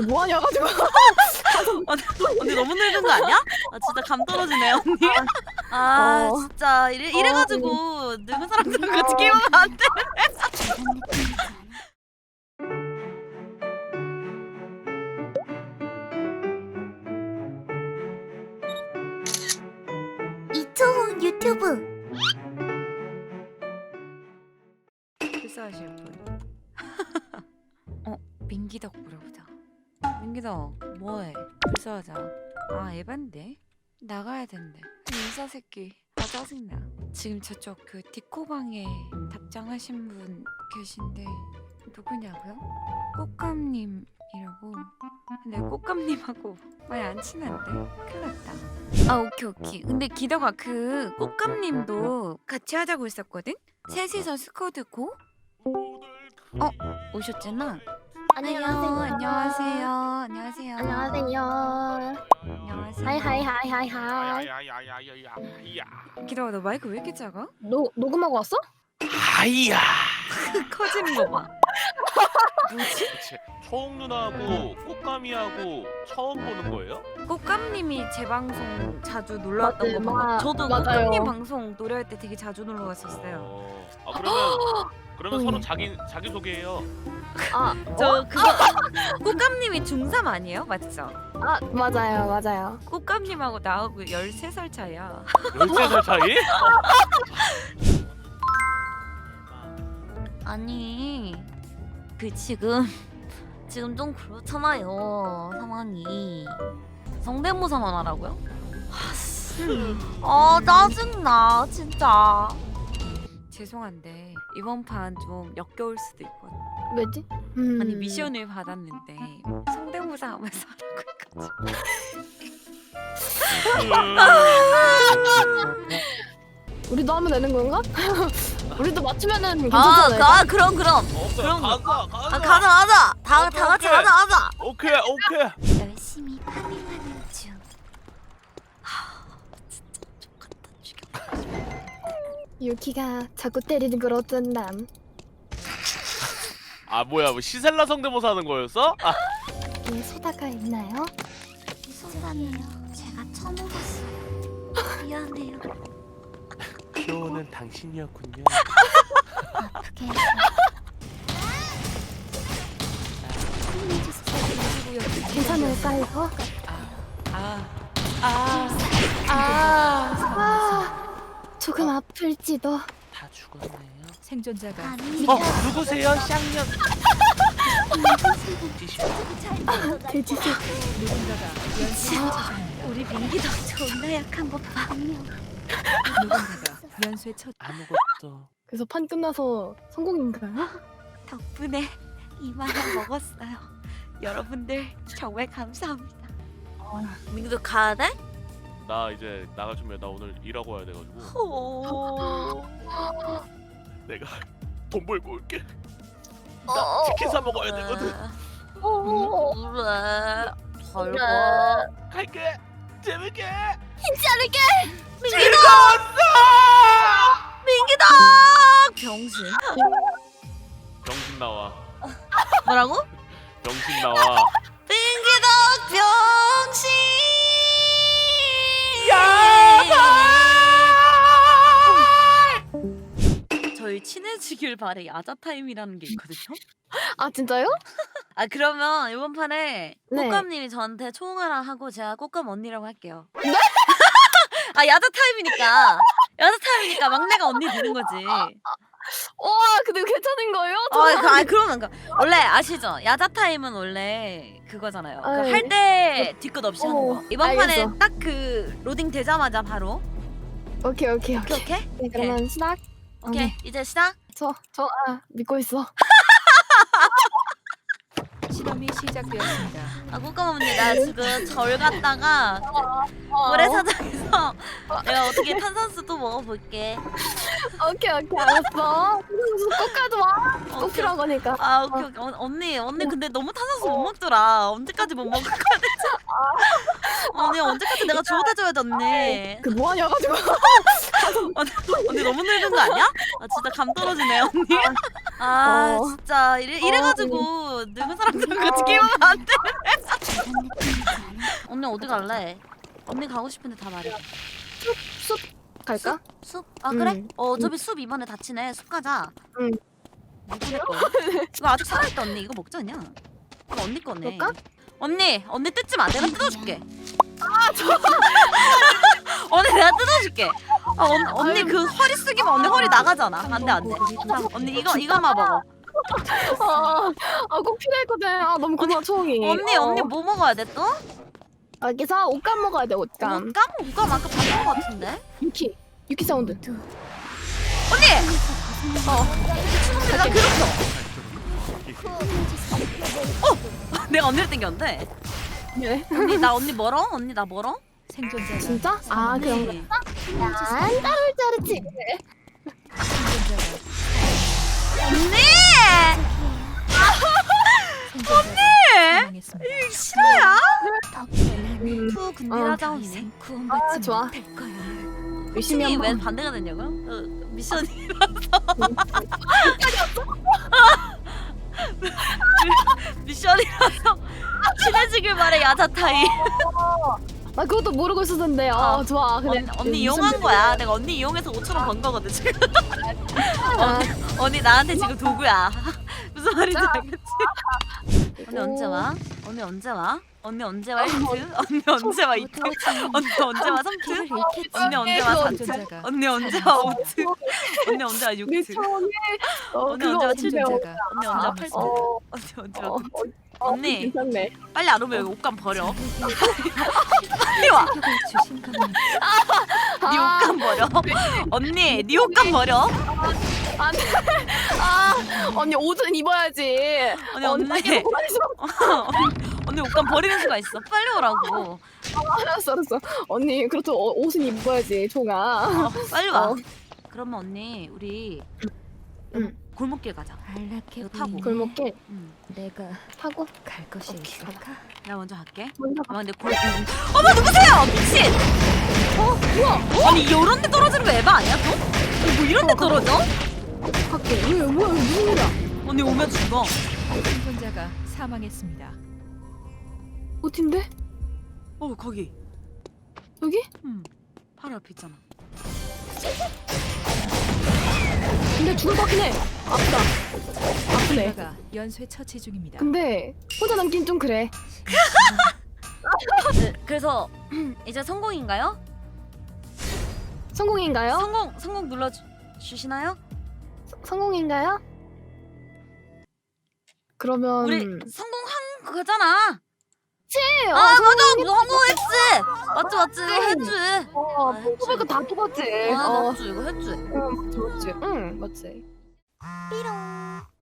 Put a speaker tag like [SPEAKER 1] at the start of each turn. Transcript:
[SPEAKER 1] 뭐하냐 가지고.
[SPEAKER 2] 언니 너무 늙은 거 아니야? 아 진짜 감 떨어지네 언니. 아 진짜 이래가지고 늙은 사람들은 같이 게임하면 안 돼.
[SPEAKER 3] 이초훈 유튜브.
[SPEAKER 2] 불사하실 분. 민기덕 물어보자. 민기덕 뭐해? 불사하자. 아 에반데? 나가야 된대. 인사 새끼. 아 짜증나. 지금 저쪽 그 디코방에 답장하신 분 계신데 누구냐고요? 꽃감님이라고. 근데 꽃감님하고 많이 안 친한데? 큰일 났다. 아 오케이. 근데 기덕아 그 꽃감님도 같이 하자고 했었거든? 셋이서 스쿼드 고? 오셨잖아? 안녕하세요.
[SPEAKER 1] 안녕하세요.
[SPEAKER 2] 안녕하세요.
[SPEAKER 1] 하이.
[SPEAKER 2] 기덕아 너 마이크 왜 이렇게 작아?
[SPEAKER 1] 녹음하고 왔어?
[SPEAKER 4] 하이야.
[SPEAKER 2] 커지는 거 봐. 뭐지?
[SPEAKER 4] 초홍 누나하고 꽃가미하고 처음 보는 거예요?
[SPEAKER 2] 꽃감님이 제 방송 자주 놀러 왔던 거 보고 저도
[SPEAKER 1] 맞아요.
[SPEAKER 2] 꽃감님 방송 노래할 때 되게 자주 놀러 갔었어요.
[SPEAKER 4] 그러면 서로 자기 소개해요.
[SPEAKER 2] 저 그거 꽃감님이 중3 아니에요? 맞죠?
[SPEAKER 1] 맞아요.
[SPEAKER 2] 꽃감님하고 나하고 13살 차이야.
[SPEAKER 4] 13살 차이?
[SPEAKER 2] 아니 그 지금 좀 그렇잖아요 상황이. 성대모사만 하라고요? 짜증나 진짜. 죄송한데 이번 판 좀 역겨울 수도 있거든.
[SPEAKER 1] 왜지?
[SPEAKER 2] 아니 미션을 받았는데 성대모사 하면서 하라고 해가지고.
[SPEAKER 1] 우리도 하면 되는 건가? 우리도 맞추면은 괜찮잖아요.
[SPEAKER 2] 그럼 가자. 다 같이 하자.
[SPEAKER 4] 오케이.
[SPEAKER 3] 열심히 파밍하는 중.
[SPEAKER 2] 진짜 족같다 죽여.
[SPEAKER 1] 유키가 자꾸 때리는 걸 어쩐담.
[SPEAKER 4] 아 뭐야, 뭐 시셀라 성대모사 하는 거였어?
[SPEAKER 1] 소다가 있나요?
[SPEAKER 3] 소감이에요. 제가 처먹었어요. 미안해요.
[SPEAKER 4] 키오는 당신이었군요.
[SPEAKER 3] 아프게 해서.
[SPEAKER 1] 괜찮을까 이거? 조금 아플지도.
[SPEAKER 4] 다 죽었네요.
[SPEAKER 2] 생존자가
[SPEAKER 3] 아니,
[SPEAKER 4] 누구세요, 쌍년?
[SPEAKER 1] 돼지새.
[SPEAKER 3] 우리 민기덕 존나 약한 거 봐.
[SPEAKER 2] 누군가가 연쇄 첫
[SPEAKER 4] 아무것도.
[SPEAKER 1] 그래서 판 끝나서 성공인가요?
[SPEAKER 3] 덕분에 이만한 먹었어요. 여러분들 정말 감사합니다.
[SPEAKER 2] 민규도 가야 돼?
[SPEAKER 4] 나 이제 나갈 준비해. 나 오늘 일하고 와야 돼가지고. 내가 돈 벌고 올게. 나 치킨 사 먹어야 되거든.
[SPEAKER 2] 그래. 잘 가.
[SPEAKER 4] 갈게. 재밌게.
[SPEAKER 2] 민기다! 병신.
[SPEAKER 4] 병신 나와.
[SPEAKER 2] 뭐라고?
[SPEAKER 4] 병신 나와.
[SPEAKER 2] 민기덕 병신. 저희 친해지길 바래 야자 타임이라는 게 있거든요.
[SPEAKER 1] 아 진짜요?
[SPEAKER 2] 아 그러면 이번 판에
[SPEAKER 1] 네.
[SPEAKER 2] 꽃감님이 저한테 초홍아랑 하고 제가 꽃감 언니라고 할게요. 네? 아 야자 타임이니까 막내가 언니 되는 거지.
[SPEAKER 1] 와 근데 괜찮은 거예요?
[SPEAKER 2] 그러면 원래 아시죠? 야자 타임은 원래 그거잖아요.
[SPEAKER 1] 네.
[SPEAKER 2] 할 때 뒤끝 없이 하는 거. 이번
[SPEAKER 1] 알겠어.
[SPEAKER 2] 판에 딱 그 로딩 되자마자 바로.
[SPEAKER 1] 오케이.
[SPEAKER 2] 오케이.
[SPEAKER 1] 네, 그러면 시작.
[SPEAKER 2] 오케이 이제 시작.
[SPEAKER 1] 저 믿고 있어.
[SPEAKER 2] 실험이 시작되었습니다. 아 꽃감 언니 나 지금 절 갔다가 모래사장에서 내가 어떻게 탄산수 또 먹어볼게.
[SPEAKER 1] 오케이 알았어. 꼭 가지 마. 꼭
[SPEAKER 2] 오케이.
[SPEAKER 1] 필요한 거니까.
[SPEAKER 2] 아 오케이. 언니 근데 너무 탄산수 못 먹더라. 언제까지 못 먹을 거야 대체? 언니 언제까지 내가 주워다줘야 돼 언니.
[SPEAKER 1] 그 뭐하냐 가지고.
[SPEAKER 2] 언니 너무 늙은 거 아니야? 아 진짜 감 떨어지네 언니. 아 진짜 이래가지고 늙은 사람들은 같이 게임하면 안 돼.
[SPEAKER 3] 어디 갈래? 언니 가고 싶은데 다 말해.
[SPEAKER 1] 숲 갈까?
[SPEAKER 3] 숲? 아 그래?
[SPEAKER 1] 응.
[SPEAKER 3] 어차피 숲 이번에 닫히네. 숲 가자.
[SPEAKER 1] 응.
[SPEAKER 3] 누구네 거? 이거 아직 살아있다 언니. 이거 먹지 않냐? 이거 언니 거네.
[SPEAKER 1] 그럴까?
[SPEAKER 3] 언니 뜯지 마. 내가 뜯어줄게. 언니 내가 뜯어줄게. 아, 언니 그 허리 숙이면 언니 허리 나가잖아. 안돼 안돼. 언니 이거만 먹어.
[SPEAKER 1] 꼭 필요했거든. 너무 고마워 초홍이.
[SPEAKER 3] 언니 뭐 먹어야 돼 또?
[SPEAKER 1] 여기서 옷감 먹어야 돼 옷감.
[SPEAKER 3] 옷감 아까 봤던 거 같은데?
[SPEAKER 1] 유키 사운드.
[SPEAKER 3] 언니! 나 괴롭혀. 내가 언니를 땡겼는데.
[SPEAKER 1] 네.
[SPEAKER 3] 언니 멀어? 언니 나 멀어?
[SPEAKER 2] 생존자가
[SPEAKER 1] 진짜? 그런 거.
[SPEAKER 3] 언니.
[SPEAKER 1] 난 따를 줄 알았지.
[SPEAKER 3] 언니!
[SPEAKER 2] 사망했습니다.
[SPEAKER 3] 싫어야?
[SPEAKER 1] 음.
[SPEAKER 3] 근딜하자 언니.
[SPEAKER 1] 좋아. 열심히
[SPEAKER 3] 미션이 왜
[SPEAKER 1] 한번.
[SPEAKER 3] 반대가 됐냐고요? 미션이 미션이라서 친해지길 바래 야자타이.
[SPEAKER 1] 그것도 모르고 있었는데. 좋아. 그래.
[SPEAKER 3] 언니 이용한 거야. 내가 언니 이용해서 5,000원 번 거거든 지금. 언니 나한테 지금 도구야. 무슨 말인지 알겠지? 언니 언제 와? 언니 언제 와? 언니 언제 와 1트? 언니 언제 와 2트? 언니 언제 와 3트? 언니 언제 와 4트?
[SPEAKER 2] 생존자가
[SPEAKER 3] 언니 언제 와 5트? 언니 언제 와 6트? 언니 언제 와 7트?
[SPEAKER 2] 생존자가
[SPEAKER 3] 언니 언제 와 8트? 언니 언제 와 9트? 언니
[SPEAKER 1] 괜찮네.
[SPEAKER 3] 빨리 안 오면 여기 옷감 버려. 빨리 와.
[SPEAKER 2] 주신 겁니다.
[SPEAKER 3] 네 옷감 버려. 언니 네 옷감 버려.
[SPEAKER 1] 언니 옷은 입어야지.
[SPEAKER 3] 언니
[SPEAKER 1] 계속 가만히 있어.
[SPEAKER 3] 언니 옷감 버리는 수가 있어. 빨리 오라고.
[SPEAKER 1] 알았어. 언니 그렇도 옷은 입어야지 총아.
[SPEAKER 3] 빨리 와.
[SPEAKER 1] 어.
[SPEAKER 3] 그러면 언니 우리
[SPEAKER 1] 응.
[SPEAKER 3] 골목길 가자.
[SPEAKER 2] 안락해
[SPEAKER 3] 이거 타고.
[SPEAKER 2] 보이네.
[SPEAKER 1] 골목길
[SPEAKER 2] 내가
[SPEAKER 1] 타고
[SPEAKER 2] 갈 곳이 있을까?
[SPEAKER 3] 나 먼저 갈게.
[SPEAKER 1] 먼저
[SPEAKER 3] 아 근데 어머 누구세요? 미친. 뭐야? 아니 이런 데 떨어지는 거 에바 아니야 또? 뭐 이런 데 떨어져?
[SPEAKER 1] 갈게. 왜 뭐야 무슨 일이야?
[SPEAKER 3] 언니 오면 죽어.
[SPEAKER 2] 생존자가 사망했습니다.
[SPEAKER 1] 어딘데?
[SPEAKER 3] 거기.
[SPEAKER 1] 여기?
[SPEAKER 3] 바로 앞에 있잖아.
[SPEAKER 1] 근데 죽을 것 같긴 해. 아프다. 아프네.
[SPEAKER 2] 생존자가 연쇄 처치 중입니다.
[SPEAKER 1] 근데 혼자 남긴 좀 그래.
[SPEAKER 3] 그래서 이제 성공인가요?
[SPEAKER 1] 성공인가요?
[SPEAKER 3] 성공 눌러 주시나요?
[SPEAKER 1] 성공인가요? 그러면
[SPEAKER 3] 우리 성공한 거잖아.
[SPEAKER 1] 네,
[SPEAKER 3] 맞아 성공했지. 맞지 했지.
[SPEAKER 1] 뽑을 거다 뽑았지.
[SPEAKER 3] 맞지 이거 했지.
[SPEAKER 1] 맞지. 응, 맞지.
[SPEAKER 3] 삐롱.